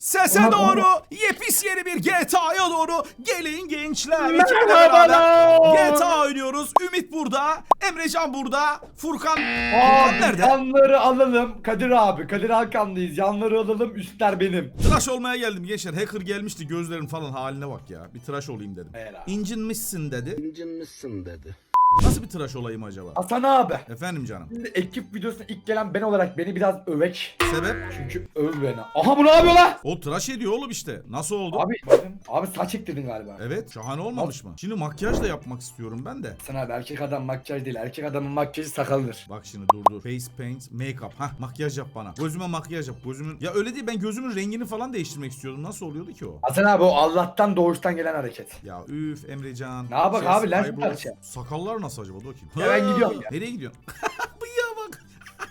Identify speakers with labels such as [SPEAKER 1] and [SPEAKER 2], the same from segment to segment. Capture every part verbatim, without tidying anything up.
[SPEAKER 1] Sese
[SPEAKER 2] Ona-
[SPEAKER 1] doğru,
[SPEAKER 2] ona-
[SPEAKER 1] yepis yeni bir G T A'ya doğru gelin gençler.
[SPEAKER 2] Merhabalar.
[SPEAKER 1] İkiyle beraber G T A oynuyoruz. Ümit burada, Emrecan burada, Furkan. Furkan
[SPEAKER 2] Abi
[SPEAKER 1] nerede?
[SPEAKER 2] yanları alalım. Kadir abi. Kadir Hakan'dayız. Yanları alalım. Üstler benim.
[SPEAKER 1] Tıraş olmaya geldim gençler. Hacker gelmişti, gözlerin falan haline bak ya. Bir tıraş olayım dedim.
[SPEAKER 2] Helal.
[SPEAKER 1] İncinmişsin dedi.
[SPEAKER 3] İncinmişsin dedi.
[SPEAKER 1] Nasıl bir tıraş olayım acaba?
[SPEAKER 2] Hasan abi.
[SPEAKER 1] Efendim canım.
[SPEAKER 2] Şimdi ekip videosuna ilk gelen ben olarak beni biraz övek.
[SPEAKER 1] Sebep?
[SPEAKER 2] Çünkü öv beni. Aha bu ne yapıyor lan?
[SPEAKER 1] O tıraş ediyor oğlum işte. Nasıl oldu?
[SPEAKER 2] Abi bakın. Abi saç ektirdin galiba.
[SPEAKER 1] Evet, şahane olmamış mı? Şimdi makyaj da yapmak istiyorum ben de.
[SPEAKER 2] Hasan abi erkek adam makyaj değil. Erkek adamın makyajı sakalıdır.
[SPEAKER 1] Bak şimdi dur dur. Face paint, make-up. Hah, makyaj yap bana. Gözüme makyaj yap. Gözümün... Ya öyle değil, ben gözümün rengini falan değiştirmek istiyordum. Nasıl oluyordu ki o?
[SPEAKER 2] Hasan abi o Allah'tan doğuştan gelen hareket.
[SPEAKER 1] Ya üf Emrecan.
[SPEAKER 2] Ne yapak abi, lens mi
[SPEAKER 1] eyebrows.
[SPEAKER 2] takacağım?
[SPEAKER 1] Sakallar nasıl acaba? Dur bakayım.
[SPEAKER 2] Ya ben gidiyorum ya.
[SPEAKER 1] Nereye gidiyorsun? Bıyığa bak.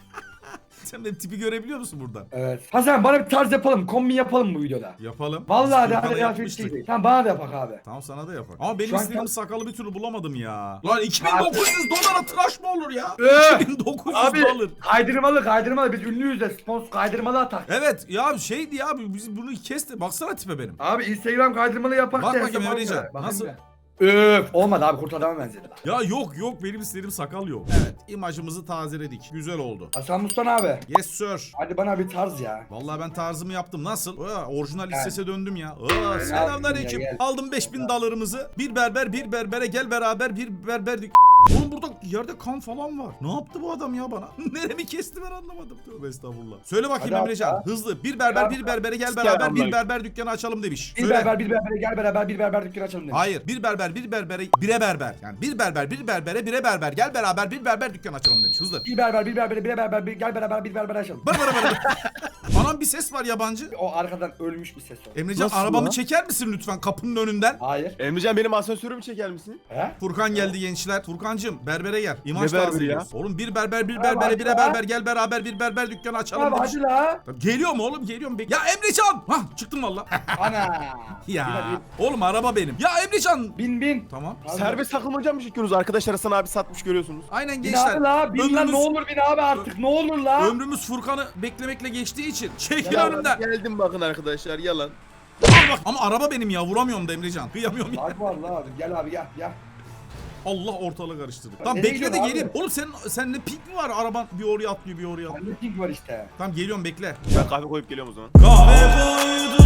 [SPEAKER 1] Sen benim tipi görebiliyor musun buradan?
[SPEAKER 2] Evet. Hasan bana bir tarz yapalım. Kombin yapalım bu videoda.
[SPEAKER 1] Yapalım.
[SPEAKER 2] Vallahi
[SPEAKER 1] Biz
[SPEAKER 2] de
[SPEAKER 1] Furkan'a
[SPEAKER 2] hadi
[SPEAKER 1] yapmıştık.
[SPEAKER 2] yapmıştık. Tamam bana da yapak abi.
[SPEAKER 1] Tamam sana da yapar. Ama benim
[SPEAKER 2] Şu an
[SPEAKER 1] istediğim
[SPEAKER 2] tam-
[SPEAKER 1] sakalı bir türlü bulamadım ya. Lan iki bin dokuz yüz dolara tıraş mı olur ya?
[SPEAKER 2] Ee,
[SPEAKER 1] iki bin dokuz yüz
[SPEAKER 2] Abi
[SPEAKER 1] dolar.
[SPEAKER 2] kaydırmalı kaydırmalı biz ünlüyüz de sponsor kaydırmalı atak.
[SPEAKER 1] Evet ya şeydi ya biz bunu kes de baksana tipe benim.
[SPEAKER 2] Abi Instagram kaydırmalı yapak
[SPEAKER 1] Bak
[SPEAKER 2] da
[SPEAKER 1] bakayım
[SPEAKER 2] hesap
[SPEAKER 1] Emrecan,
[SPEAKER 2] almıyor. Bakayım
[SPEAKER 1] nasıl?
[SPEAKER 2] bir. Öf olmadı abi kurt adama benzedi lan.
[SPEAKER 1] Ya yok yok benim istediğim sakal yok. Evet imajımızı tazeledik. Güzel oldu.
[SPEAKER 2] Hasan Mustan abi.
[SPEAKER 1] Yes sir.
[SPEAKER 2] Hadi bana bir tarz ya.
[SPEAKER 1] Vallahi ben tarzımı yaptım. Nasıl? Aa, orijinal
[SPEAKER 2] Gel.
[SPEAKER 1] listese döndüm ya. Aa, selamünaleyküm.
[SPEAKER 2] gel, gel.
[SPEAKER 1] Aldım beş bin dolarımızı. Bir berber bir berbere gel beraber bir berber. Oğlum burada yerde kan falan var. Ne yaptı bu adam ya bana? Neremi kesti ben anlamadım. Tövbe estağfurullah. Söyle bakayım
[SPEAKER 2] Hadi
[SPEAKER 1] Emrecan.
[SPEAKER 2] abi.
[SPEAKER 1] Hızlı. Bir berber bir berbere gel beraber bir berber dükkanı açalım demiş.
[SPEAKER 2] Bir
[SPEAKER 1] Söyle.
[SPEAKER 2] berber bir berbere gel beraber bir berber dükkanı açalım demiş.
[SPEAKER 1] Hayır. Bir berber bir berbere bire berber. Yani bir berber bir berbere bire berber gel beraber bir berber dükkanı açalım demiş. Hızlı.
[SPEAKER 2] Bir berber bir berbere bir berber bir gel beraber bir berber açalım.
[SPEAKER 1] Bana bana bana. Anam bir ses var yabancı.
[SPEAKER 2] O arkadan ölmüş bir ses o.
[SPEAKER 1] Emrecan
[SPEAKER 3] Nasıl
[SPEAKER 1] arabamı
[SPEAKER 3] lan?
[SPEAKER 1] çeker misin lütfen kapının önünden?
[SPEAKER 2] Hayır.
[SPEAKER 3] Emrecan benim asansörümü çeker misin?
[SPEAKER 2] He?
[SPEAKER 1] Furkan geldi gençler. Furkancığım berbere gel. İmaj
[SPEAKER 3] Ne berberi
[SPEAKER 1] tazeliyoruz. Oğlum bir berber bir
[SPEAKER 2] Abi
[SPEAKER 1] berbere
[SPEAKER 2] hadi
[SPEAKER 1] bire
[SPEAKER 2] la.
[SPEAKER 1] berber gel beraber bir berber dükkanı açalım
[SPEAKER 2] Abi
[SPEAKER 1] demiş.
[SPEAKER 2] hadi la.
[SPEAKER 1] Tamam, geliyor mu oğlum geliyor mu? Bek- Ya Emrecan! Hah çıktım valla.
[SPEAKER 2] Ana.
[SPEAKER 1] Ya oğlum araba benim. Ya Emrecan!
[SPEAKER 2] Bin bin.
[SPEAKER 1] Tamam.
[SPEAKER 2] Abi.
[SPEAKER 3] Serbest takılmaca mı çekiyorsunuz? Arkadaşlar Hasan abi satmış görüyorsunuz.
[SPEAKER 1] Aynen
[SPEAKER 2] Bin
[SPEAKER 1] gençler.
[SPEAKER 2] abi la. Bin lan
[SPEAKER 1] ömrümüz,
[SPEAKER 2] ne olur bin abi artık ne olur la.
[SPEAKER 1] ömrümüz Furkan'ı beklemekle geçtiği için çekil
[SPEAKER 2] Ya,
[SPEAKER 1] önümden.
[SPEAKER 3] Geldim bakın arkadaşlar yalan.
[SPEAKER 1] Al bak ama araba benim ya vuramıyorum da Emrecan. Kıyamıyorum ya.
[SPEAKER 2] Bak var la abi gel abi gel gel.
[SPEAKER 1] Allah ortalığı karıştırdı.
[SPEAKER 2] Ya
[SPEAKER 1] Tamam
[SPEAKER 2] nereye
[SPEAKER 1] bekle de
[SPEAKER 2] gidiyorsun
[SPEAKER 1] geleyim.
[SPEAKER 2] abi?
[SPEAKER 1] Oğlum senin sende pink mi var? Araban bir oraya atlıyor bir oraya atlıyor.
[SPEAKER 2] Bende pink var işte.
[SPEAKER 1] Tamam geliyorum bekle.
[SPEAKER 3] Ben kahve koyup geliyorum o zaman.
[SPEAKER 1] Kahve koydum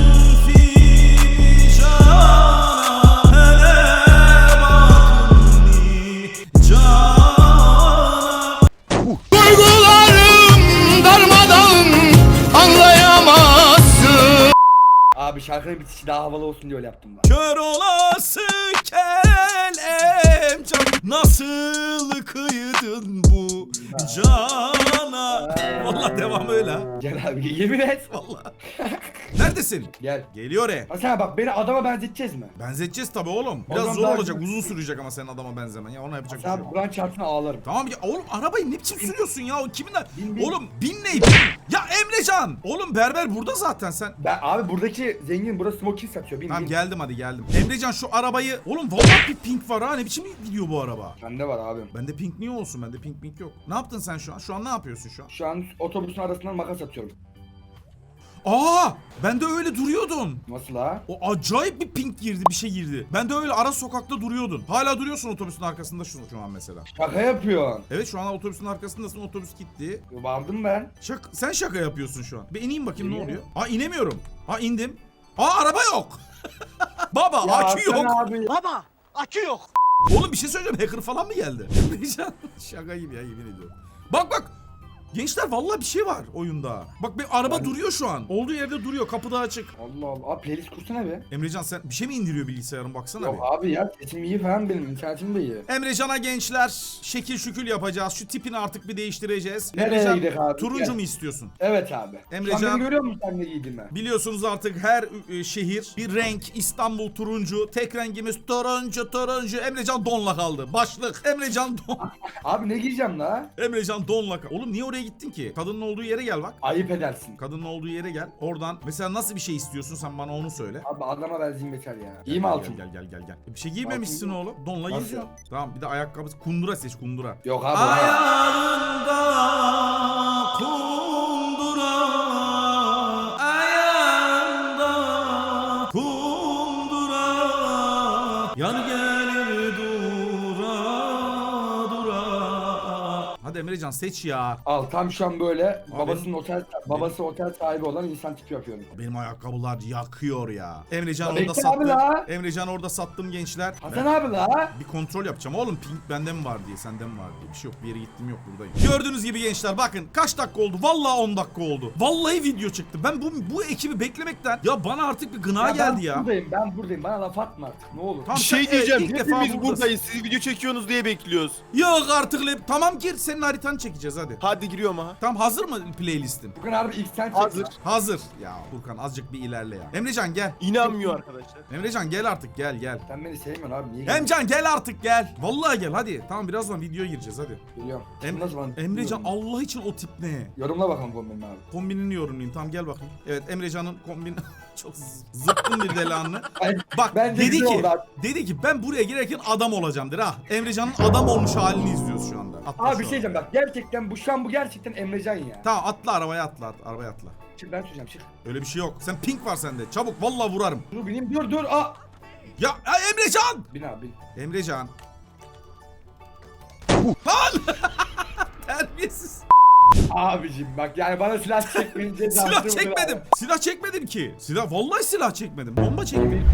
[SPEAKER 1] fincana, hele bakın cana.
[SPEAKER 4] Duygularım darmadağın anlayamazsın.
[SPEAKER 2] Abi şarkının bitişi daha havalı olsun diye öyle yaptım ben.
[SPEAKER 1] Kör olası kelem can, nasıl kıydın bu cana. Vallahi devam öyle ha.
[SPEAKER 2] Gel abi yemin et.
[SPEAKER 1] Vallahi. Neredesin?
[SPEAKER 2] Gel.
[SPEAKER 1] Geliyor e.
[SPEAKER 2] Hasan bak beni adama benzeteceğiz mi?
[SPEAKER 1] Benzeteceğiz tabi oğlum. Biraz
[SPEAKER 2] Adam
[SPEAKER 1] zor
[SPEAKER 2] daha
[SPEAKER 1] olacak,
[SPEAKER 2] güzel.
[SPEAKER 1] uzun sürecek ama senin adama benzemen. Ya ona yapacak bir şey
[SPEAKER 2] Hasan
[SPEAKER 1] yok.
[SPEAKER 2] abi Kur'an çarpsına ağlarım.
[SPEAKER 1] Tamam ya oğlum arabayı ne biçim sürüyorsun ya? O kimin?
[SPEAKER 2] Bin, bin.
[SPEAKER 1] Oğlum bin ne? Ya Emrecan! Oğlum berber burada zaten sen.
[SPEAKER 2] Ben abi buradaki zengin burası smoking satıyor. Bin
[SPEAKER 1] Tamam
[SPEAKER 2] bin.
[SPEAKER 1] geldim hadi geldim. Emrecan şu arabayı... Oğlum vallahi bir pink var ha. Ne biçim gidiyor bu araba?
[SPEAKER 2] Bende var abim.
[SPEAKER 1] Bende pink niye olsun? Bende pink pink yok. Ne yaptın sen şu an? Şu an ne yapıyorsun şu an?
[SPEAKER 2] Şu an otobüsün arasından makas atıyorum.
[SPEAKER 1] Aa! Bende öyle duruyordun.
[SPEAKER 2] Nasıl ha?
[SPEAKER 1] O acayip bir pink girdi, bir şey girdi. Ben de öyle ara sokakta duruyordun. Hala duruyorsun otobüsün arkasında şu, şu an mesela.
[SPEAKER 2] Şaka yapıyorsun.
[SPEAKER 1] Evet şu an otobüsün arkasındasın, otobüs gitti.
[SPEAKER 2] Vardım ben.
[SPEAKER 1] Şak sen şaka yapıyorsun şu an. Bir ineyim bakayım ne
[SPEAKER 2] İniyorum.
[SPEAKER 1] oluyor. Aa inemiyorum. Aa indim. Aa araba yok. Baba
[SPEAKER 2] Ya
[SPEAKER 1] akü
[SPEAKER 2] Hasan
[SPEAKER 1] yok.
[SPEAKER 2] abi.
[SPEAKER 4] Baba akü yok.
[SPEAKER 1] Oğlum bir şey söyleyeceğim. Hacker falan mı geldi? Şaka gibi ya yemin ediyorum. Bak bak. Gençler vallahi bir şey var oyunda. Bak bir araba
[SPEAKER 2] Ben-
[SPEAKER 1] duruyor şu an. Olduğu yerde duruyor. Kapıda açık.
[SPEAKER 2] Allah Allah. Abi playlist kursana be.
[SPEAKER 1] Emrecan sen bir şey mi indiriyor bilgisayarın baksana
[SPEAKER 2] Yok
[SPEAKER 1] bir.
[SPEAKER 2] abi ya sesim iyi falan benim. İnternetim de iyi.
[SPEAKER 1] Emrecan'a gençler şekil şükül yapacağız. Şu tipini artık bir değiştireceğiz.
[SPEAKER 2] Nereye
[SPEAKER 1] Emrecan,
[SPEAKER 2] gidelim abi?
[SPEAKER 1] turuncu
[SPEAKER 2] Gel.
[SPEAKER 1] mu istiyorsun?
[SPEAKER 2] Evet abi.
[SPEAKER 1] Emrecan-
[SPEAKER 2] Sen beni görüyor musun sen ne giydiğimi?
[SPEAKER 1] Biliyorsunuz artık her e, şehir bir renk. İstanbul turuncu. Tek rengimiz turuncu turuncu. Emrecan donla kaldı. Başlık. Emrecan don.
[SPEAKER 2] Abi ne giyeceğim la?
[SPEAKER 1] Emrecan donla kaldı. Oğlum niye oraya gittin ki? Kadının olduğu yere gel bak.
[SPEAKER 2] Ayıp edersin.
[SPEAKER 1] Kadının olduğu yere gel. Oradan mesela nasıl bir şey istiyorsun sen bana onu söyle.
[SPEAKER 2] Abi adama benzeyeyim yeter ya. İyi mi
[SPEAKER 1] Gel,
[SPEAKER 2] altın?
[SPEAKER 1] Gel gel gel gel. E, bir şey giymemişsin
[SPEAKER 2] Altın-
[SPEAKER 1] oğlum. Donla
[SPEAKER 2] Nasıl?
[SPEAKER 1] geziyorsun. Tamam bir de ayakkabı kundura seç kundura.
[SPEAKER 2] Yok abi.
[SPEAKER 1] Ayağında kundura, ayağında Yar gelir dura dura. Hadi Emrecan seç ya.
[SPEAKER 2] Al tam şu an böyle
[SPEAKER 1] Abi
[SPEAKER 2] babasının
[SPEAKER 1] benim-
[SPEAKER 2] otel babası otel sahibi olan insan tipi yapıyorum.
[SPEAKER 1] Benim ayakkabılar yakıyor ya. Emrecan
[SPEAKER 2] Ya
[SPEAKER 1] orada
[SPEAKER 2] bekle abi
[SPEAKER 1] sattım.
[SPEAKER 2] la.
[SPEAKER 1] Emrecan orada sattım gençler.
[SPEAKER 2] Hasan
[SPEAKER 1] Ben
[SPEAKER 2] abi la.
[SPEAKER 1] bir kontrol yapacağım. Oğlum pink bende mi var diye, sende mi var diye. Bir şey yok. Bir yere gittim yok, buradayım. Gördüğünüz gibi gençler bakın kaç dakika oldu? Vallahi on dakika oldu. Vallahi video çıktı. Ben bu bu ekibi beklemekten ya bana artık bir gına geldi
[SPEAKER 2] ben
[SPEAKER 1] ya.
[SPEAKER 2] buradayım ben buradayım bana laf atma artık ne olur.
[SPEAKER 1] Tamam,
[SPEAKER 3] Bir
[SPEAKER 1] sen-
[SPEAKER 3] şey
[SPEAKER 1] evet,
[SPEAKER 3] diyeceğim.
[SPEAKER 1] ilk defa
[SPEAKER 3] Hepimiz
[SPEAKER 1] buradasın.
[SPEAKER 3] buradayız. Siz video çekiyorsunuz diye bekliyoruz.
[SPEAKER 1] Yok artık le- tamam gir, senin haritanı çekeceğiz hadi.
[SPEAKER 3] Hadi giriyorum ha.
[SPEAKER 1] Tamam, hazır mı playlistin?
[SPEAKER 2] Furkan abi ilk sen çek.
[SPEAKER 3] Hazır.
[SPEAKER 1] Hazır. Ya Furkan azıcık bir ilerle ya. Emrecan gel.
[SPEAKER 3] İnanmıyor arkadaşlar.
[SPEAKER 1] Emrecan gel artık, gel gel.
[SPEAKER 2] Sen beni sevmiyorsun abi niye geliyorsun?
[SPEAKER 1] Emcan gel artık gel. Vallahi gel hadi. Tamam birazdan videoya gireceğiz hadi.
[SPEAKER 2] Geliyorum.
[SPEAKER 1] Em
[SPEAKER 2] Nasıl bana-
[SPEAKER 1] Emrecan
[SPEAKER 2] Bilmiyorum.
[SPEAKER 1] Allah için o tip ne?
[SPEAKER 2] Yorumla bakalım kombinin abi.
[SPEAKER 1] Kombinini yorumlayayım. Tamam gel bakayım. Evet Emrecan'ın kombin çok z- zıpkın bir delanlı.
[SPEAKER 2] Ben,
[SPEAKER 1] Bak
[SPEAKER 2] ben de
[SPEAKER 1] dedi
[SPEAKER 2] güzel
[SPEAKER 1] ki
[SPEAKER 2] oldu abi.
[SPEAKER 1] dedi ki ben buraya girerken adam olacağımdır ha. Emrecan'ın adam olmuş halini izliyoruz şu anda. Atla
[SPEAKER 2] Abi
[SPEAKER 1] şu
[SPEAKER 2] bir şey
[SPEAKER 1] an.
[SPEAKER 2] diyeceğim bak gerçekten bu şu an bu gerçekten Emrecan ya.
[SPEAKER 1] Tamam atla arabaya atla, at, arabaya atla.
[SPEAKER 2] Çık ben söyleyeceğim çık.
[SPEAKER 1] Öyle bir şey yok. Sen pink var sende. Çabuk vallahi vurarım.
[SPEAKER 2] Dur bineyim dur dur aa.
[SPEAKER 1] Ya, ya Emrecan!
[SPEAKER 2] Bin abi bin.
[SPEAKER 1] Emrecan. Lan! Terbiyesiz.
[SPEAKER 2] Abicim bak yani bana silah çekmeyince
[SPEAKER 1] Silah çekmedim. Silah çekmedim ki. Silah vallahi silah çekmedim. Bomba çektim.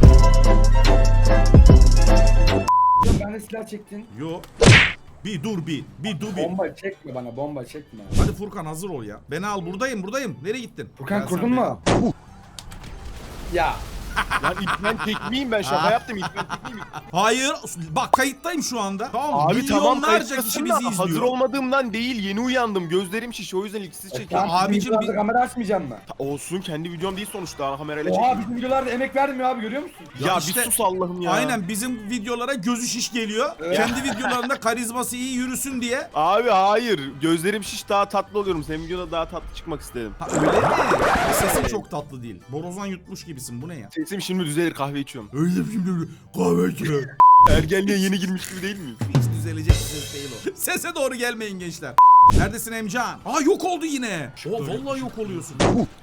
[SPEAKER 2] Ben de silah çektin.
[SPEAKER 1] Yo. Bir dur bir. Bir dur bir.
[SPEAKER 2] Bomba çekme bana bomba çekme.
[SPEAKER 1] Hadi Furkan hazır ol ya. Beni al, buradayım buradayım. Nereye gittin?
[SPEAKER 2] Furkan
[SPEAKER 1] Gel sen
[SPEAKER 2] kurdun
[SPEAKER 1] beni
[SPEAKER 2] mu?
[SPEAKER 1] al.
[SPEAKER 2] Ya.
[SPEAKER 3] Lan İlkmen tekmeyeyim ben şaka yaptım İlkmen tekmeyeyim.
[SPEAKER 1] Hayır. Bak kayıttayım şu anda. Tamam.
[SPEAKER 3] Abi tamam
[SPEAKER 1] Milyonlarca kişi
[SPEAKER 3] kayıttasın
[SPEAKER 1] bizi
[SPEAKER 3] da
[SPEAKER 1] izliyor.
[SPEAKER 3] hazır olmadığımdan değil yeni uyandım gözlerim şiş o yüzden ilk sizi
[SPEAKER 2] E,
[SPEAKER 3] çekiyorum.
[SPEAKER 2] tamam,
[SPEAKER 1] abicim,
[SPEAKER 2] bizim videolarda
[SPEAKER 1] bir-
[SPEAKER 2] kamera açmayacağım mı?
[SPEAKER 3] Ta- Olsun kendi videom değil sonuçta ana kamerayla
[SPEAKER 2] Oha
[SPEAKER 3] çekiyorum.
[SPEAKER 2] bizim videolarda emek verdim ya abi görüyor musun?
[SPEAKER 3] Ya,
[SPEAKER 1] Ya
[SPEAKER 3] bir
[SPEAKER 1] işte-
[SPEAKER 3] sus Allah'ım ya.
[SPEAKER 1] Aynen bizim videolara gözü şiş geliyor.
[SPEAKER 2] Evet.
[SPEAKER 1] Kendi videolarında karizması iyi yürüsün diye.
[SPEAKER 3] Abi hayır gözlerim şiş daha tatlı oluyorum. Senin videoda daha tatlı çıkmak istedim.
[SPEAKER 1] Ha öyle mi? Sesin çok tatlı değil. Borazan yutmuş gibisin. Bu ne ya?
[SPEAKER 3] Sesim şimdi düzelir kahve içiyorum.
[SPEAKER 1] Öyle şimdi kahve içiyor.
[SPEAKER 3] Ergenliğe yeni girmiş gibi değil miyim?
[SPEAKER 1] Hiç düzelecek bir ses değil o. Sese doğru gelmeyin gençler. Neredesin Emcan? Aa yok oldu yine. O vallahi yok oluyorsun.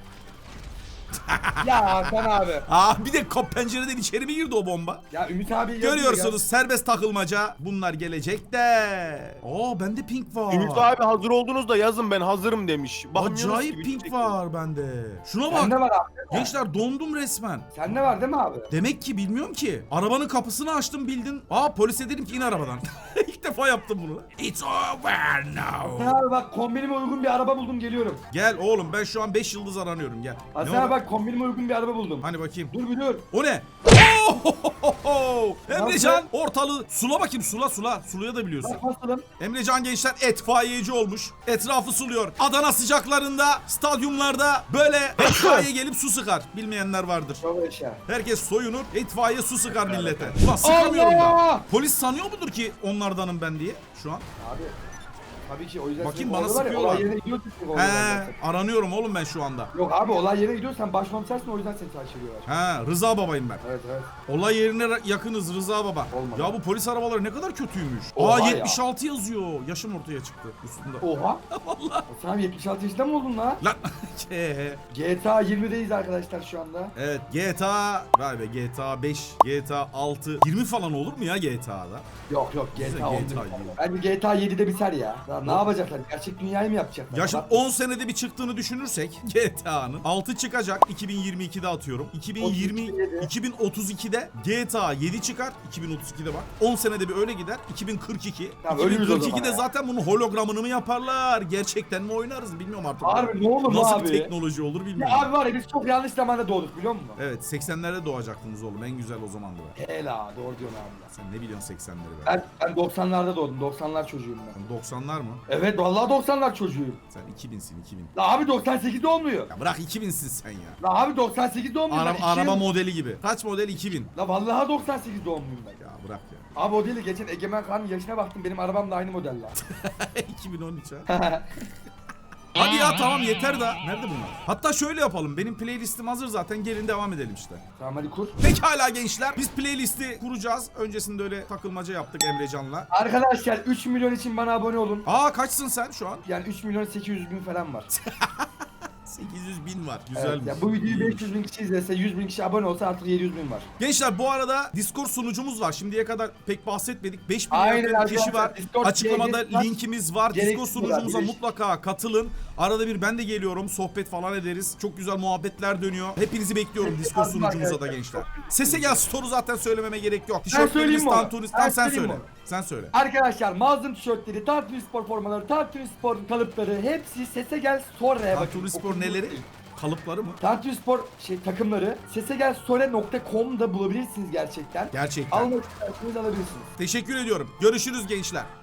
[SPEAKER 2] Ya Hakan abi.
[SPEAKER 1] Aa bir de kap pencereden içeri mi girdi o bomba?
[SPEAKER 2] Ya Ümit abi yazıyor
[SPEAKER 1] Görüyorsunuz serbest takılmaca. Bunlar gelecek de. Aa bende pink var.
[SPEAKER 3] Ümit abi hazır oldunuz da yazın ben hazırım demiş. Bakmıyorsunuz
[SPEAKER 1] Acayip
[SPEAKER 3] ki,
[SPEAKER 1] pink
[SPEAKER 3] çekiyorum.
[SPEAKER 1] var bende. Şuna
[SPEAKER 2] Ya.
[SPEAKER 1] bak.
[SPEAKER 2] Sende var abi.
[SPEAKER 1] Gençler dondum resmen.
[SPEAKER 2] Sende var değil mi abi?
[SPEAKER 1] Demek ki bilmiyorum ki. Arabanın kapısını açtım bildin. Aa polise dedim ki in arabadan. İlk defa yaptım bunu. It's over now.
[SPEAKER 2] Hasan abi bak kombinime uygun bir araba buldum geliyorum.
[SPEAKER 1] Gel oğlum ben şu an beş yıldız aranıyorum gel.
[SPEAKER 2] Hasan
[SPEAKER 1] Ne
[SPEAKER 2] abi
[SPEAKER 1] o?
[SPEAKER 2] bak kombinime uygun bir araba buldum.
[SPEAKER 1] Hani bakayım.
[SPEAKER 2] Dur bir dur.
[SPEAKER 1] O ne? Oh! Emrecan ortalığı sula bakayım sula sula. Suluya da biliyorsun.
[SPEAKER 2] Bak basalım.
[SPEAKER 1] Emrecan gençler etfaiyeci olmuş. Etrafı suluyor. Adana sıcaklarında, stadyumlarda böyle etfaiye gelip su sıkar. Bilmeyenler vardır.
[SPEAKER 2] Çok yaşa.
[SPEAKER 1] Herkes soyunur, itfaiye su sıkar millete. Ulan sıkamıyorum da.
[SPEAKER 2] Allah!
[SPEAKER 1] Polis sanıyor mudur ki onlardanım ben diye şu an?
[SPEAKER 2] Abi. Tabii ki o yüzden
[SPEAKER 1] Bakayım,
[SPEAKER 2] senin
[SPEAKER 1] bana
[SPEAKER 2] orada var ya,
[SPEAKER 1] sıkıyorlar.
[SPEAKER 2] Olay yerine gidiyorsun. çünkü olay
[SPEAKER 1] He,
[SPEAKER 2] yerine.
[SPEAKER 1] aranıyorum oğlum ben şu anda.
[SPEAKER 2] Yok abi olay yerine gidiyorsan başkomisersin o yüzden seni takip ediyorlar.
[SPEAKER 1] He, Rıza babayım ben.
[SPEAKER 2] Evet evet.
[SPEAKER 1] Olay yerine ra- yakınız Rıza baba.
[SPEAKER 2] Olmadı.
[SPEAKER 1] Ya bu polis arabaları ne kadar kötüymüş.
[SPEAKER 2] Oha
[SPEAKER 1] Aa
[SPEAKER 2] ya.
[SPEAKER 1] yetmiş altı yazıyor. Yaşım ortaya çıktı üstünde.
[SPEAKER 2] Oha.
[SPEAKER 1] Vallahi.
[SPEAKER 2] Sen abi yetmiş altı yaşında mı oldun lan?
[SPEAKER 1] Lan. Ke.
[SPEAKER 2] G T A yirmideyiz arkadaşlar şu anda.
[SPEAKER 1] Evet G T A vay be G T A beş, G T A altı, yirmi falan olur mu ya G T A'da?
[SPEAKER 2] Yok yok G
[SPEAKER 1] Güzel,
[SPEAKER 2] T A on.
[SPEAKER 1] G T A yirmi.
[SPEAKER 2] Bence G T A yedide biter ya. Ya ne yapacaklar? Gerçek dünyayı mı yapacaklar?
[SPEAKER 1] Ya şimdi
[SPEAKER 2] Bak-
[SPEAKER 1] on senede bir çıktığını düşünürsek G T A'nın altı çıkacak iki bin yirmi ikide atıyorum. iki bin yirmi iki bin otuz ikide G T A yedi çıkar. iki bin otuz ikide bak. on senede bir öyle gider. iki bin kırk iki.
[SPEAKER 2] Tamam, ölürüz o
[SPEAKER 1] iki bin kırk ikide
[SPEAKER 2] zaman ya.
[SPEAKER 1] zaten bunun hologramını mı yaparlar? Gerçekten mi oynarız bilmiyorum artık.
[SPEAKER 2] Harbi ne olur
[SPEAKER 1] Nasıl
[SPEAKER 2] abi?
[SPEAKER 1] bir teknoloji olur
[SPEAKER 2] Ya
[SPEAKER 1] bilmiyorum.
[SPEAKER 2] abi var ya biz çok yanlış zamanda doğduk biliyor musun?
[SPEAKER 1] Evet seksenlerde doğacaktınız oğlum. En güzel o zamandı be.
[SPEAKER 2] Hela doğru diyorsun abi.
[SPEAKER 1] Sen ne biliyorsun seksenleri be?
[SPEAKER 2] Ben, ben doksanlarda doğdum. doksanlar çocuğuyum ben.
[SPEAKER 1] Sen doksanlar mı?
[SPEAKER 2] Evet vallahi doksanlar çocuğuyum.
[SPEAKER 1] Sen iki binsin iki bin.
[SPEAKER 2] La abi doksan sekizde olmuyor.
[SPEAKER 1] Ya bırak iki binsin sen ya.
[SPEAKER 2] La abi doksan sekizde olmuyor.
[SPEAKER 1] Ara,
[SPEAKER 2] ben iki
[SPEAKER 1] araba
[SPEAKER 2] yıl-
[SPEAKER 1] modeli gibi. Kaç model iki bin?
[SPEAKER 2] La vallahi doksan sekiz doğumluyum ben.
[SPEAKER 1] Ya bırak ya.
[SPEAKER 2] Abi o değil de geçen Egemen Kağan'ın yaşına baktım benim arabam da aynı model la.
[SPEAKER 1] iki bin on üç ha. Hadi ya tamam yeter da. Nerede bunlar? Hatta şöyle yapalım. Benim playlistim hazır zaten. Gelin devam edelim işte.
[SPEAKER 2] Tamam hadi kur.
[SPEAKER 1] Pekala gençler. Biz playlisti kuracağız. Öncesinde öyle takılmaca yaptık Emrecan'la.
[SPEAKER 2] Arkadaşlar üç milyon için bana abone olun.
[SPEAKER 1] Aa kaçsın sen şu an?
[SPEAKER 2] Yani üç milyon sekiz yüz bin falan var.
[SPEAKER 1] sekiz yüz bin var.
[SPEAKER 2] Evet,
[SPEAKER 1] Güzelmiş.
[SPEAKER 2] ya bu videoyu beş yüz bin kişi izlese, yüz bin kişi abone olsa artık yedi yüz bin var.
[SPEAKER 1] Gençler bu arada Discord sunucumuz var. Şimdiye kadar pek bahsetmedik. beş bin
[SPEAKER 2] Aynen
[SPEAKER 1] yakın kişi
[SPEAKER 2] arkadaşlar,
[SPEAKER 1] var.
[SPEAKER 2] Discord
[SPEAKER 1] Açıklamada
[SPEAKER 2] gereksiz var.
[SPEAKER 1] linkimiz var.
[SPEAKER 2] Gereksiz
[SPEAKER 1] Discord
[SPEAKER 2] var,
[SPEAKER 1] sunucumuza
[SPEAKER 2] gereksiz.
[SPEAKER 1] mutlaka katılın. Arada bir ben de geliyorum. Sohbet falan ederiz. Çok güzel muhabbetler dönüyor. Hepinizi bekliyorum
[SPEAKER 2] Evet,
[SPEAKER 1] Discord
[SPEAKER 2] yazdım
[SPEAKER 1] sunucumuza da
[SPEAKER 2] arkadaşlar.
[SPEAKER 1] gençler. Sese gel store'u zaten söylememe gerek yok.
[SPEAKER 2] söyleyeyim
[SPEAKER 1] Tişörtlerimiz
[SPEAKER 2] mi onu?
[SPEAKER 1] Tantuni.
[SPEAKER 2] Ben
[SPEAKER 1] Tamam sen
[SPEAKER 2] söyleyeyim
[SPEAKER 1] söyle.
[SPEAKER 2] mi
[SPEAKER 1] Sen söyle.
[SPEAKER 2] Arkadaşlar mağazım tişörtleri, Tantuni Spor formaları, Tantuni Spor kalıpları hepsi Sese Gel Store'ya bakın.
[SPEAKER 1] Tantuni Spor neleri? Kalıpları mı?
[SPEAKER 2] Tantuni Spor şey takımları sesegelsore nokta com'da bulabilirsiniz gerçekten.
[SPEAKER 1] Gerçekten.
[SPEAKER 2] Almak isterseniz alabilirsiniz.
[SPEAKER 1] Teşekkür ediyorum. Görüşürüz gençler.